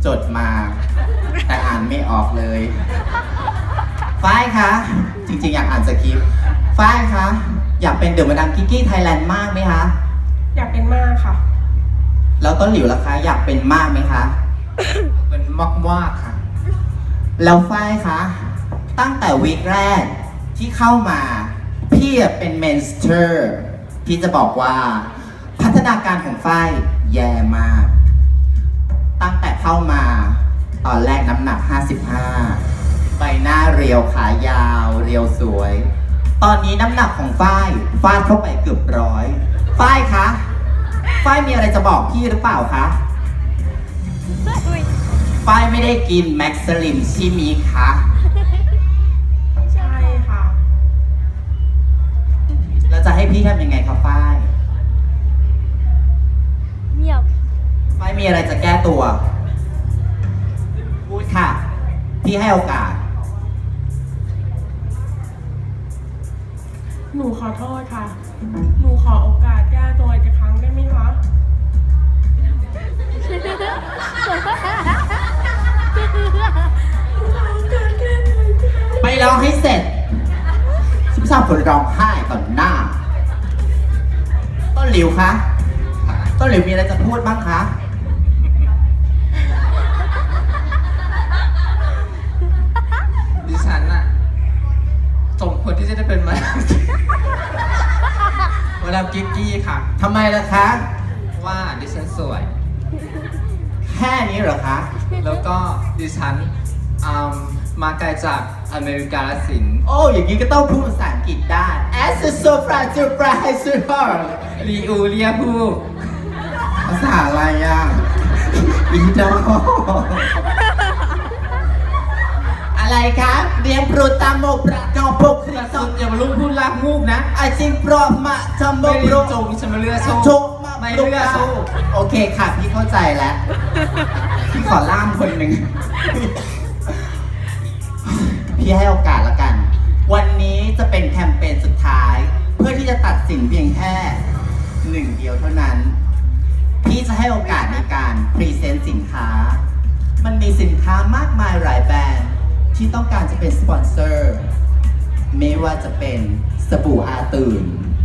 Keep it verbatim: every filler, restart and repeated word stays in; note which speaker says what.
Speaker 1: จดมา แต่อ่านไม่ออกเลย ฝ้ายคะ จริงๆ อยากอ่านสคริปต์ ฝ้ายคะ อยากเป็นเดอะมาดามกิกกี้ไทยแลนด์มากไหมคะ
Speaker 2: อยากเป็นมากค่ะ
Speaker 1: แล้วต้นหลิวล่ะคะ อยากเป็นมากไหมคะ
Speaker 3: เป็นมากมากค่ะ
Speaker 1: แล้วฝ้ายคะ ตั้งแต่วีคแรกที่เข้ามา พี่เป็นเมนสเตอร์ พี่จะบอกว่า พัฒนาการของฝ้ายแย่มาก ตั้งแต่เข้ามา ตอนแรกน้ำหนัก ห้าสิบห้า ใบหน้าเรียวขายาว เรียวสวย ตอนนี้น้ำหนักของฝ้ายฟาดเข้าไปเกือบร้อย ฝ้ายคะ ฝ้ายมีอะไรจะบอกพี่หรือเปล่าคะ ฝ้ายไม่ได้กินแม็กซ์ลิมใช่ไหมคะ
Speaker 2: ใช่ค่ะ
Speaker 1: แล้วจะให้พี่ทำยังไงครับฝ้าย
Speaker 4: เงียบ
Speaker 1: ฝ้ายมีอะไรจะแก้ตัว พูดค่ะ พี่ให้โอกาส
Speaker 2: หนูขอโทษค่ะ หนูขอโอกาสแก้ตัวอีกครั้งได้ไหมคะ
Speaker 1: ไปร้องให้เสร็จฉันไม่ชอบคนร้องไห้ต่อหน้า ต้นหลิวคะ ต้นหลิวมีอะไรจะพูดบ้างคะ
Speaker 3: ดิฉันน่ะสมควรที่จะได้เป็นมาดามมาดามกิ๊กกี้ค่ะ
Speaker 1: ทำไมล่ะคะ
Speaker 3: ว่าดิฉันสวย
Speaker 1: แค่นี้เหรอคะ
Speaker 3: แล้วก็ดิฉันอืมมาไกลจากอเมริกาลสิน
Speaker 1: โอ้ อย่างนี้ก็ต้องพูดภาษาอังกฤษได้ As a surprise surprise surprise
Speaker 3: ลีอูเรียผู้
Speaker 1: ภาษาอะไรอ่ะ อีดออะไรคะเรียนโปรตามโมประกอบพกคริส
Speaker 3: สุ
Speaker 1: ต์
Speaker 3: ดอย่ามาลุกพูดลากมูกนะ
Speaker 1: อาชิงโปรมาจำโม
Speaker 3: ไม่
Speaker 1: โป
Speaker 3: เลื
Speaker 1: ร
Speaker 3: อกจงฉันมาเลือกสู้
Speaker 1: โชมา
Speaker 3: ไม่เลือกสู้
Speaker 1: โอเคค่ะ พี่เข้าใจแล้ว พี่ขอล่ามคนหนึ่ง พี่ให้โอกาสละกัน วันนี้จะเป็นแคมเปญสุดท้าย เพื่อที่จะตัดสินเพียงแค่หนึ่งเดียวเท่านั้น พี่จะให้โอกาสในการพรีเซนต์สินค้า มันมีสินค้ามากมายหลายแบรนด์ที่ต้องการจะเป็นสปอนเซอร์ ไม่ว่าจะเป็นสบู่อาตื่น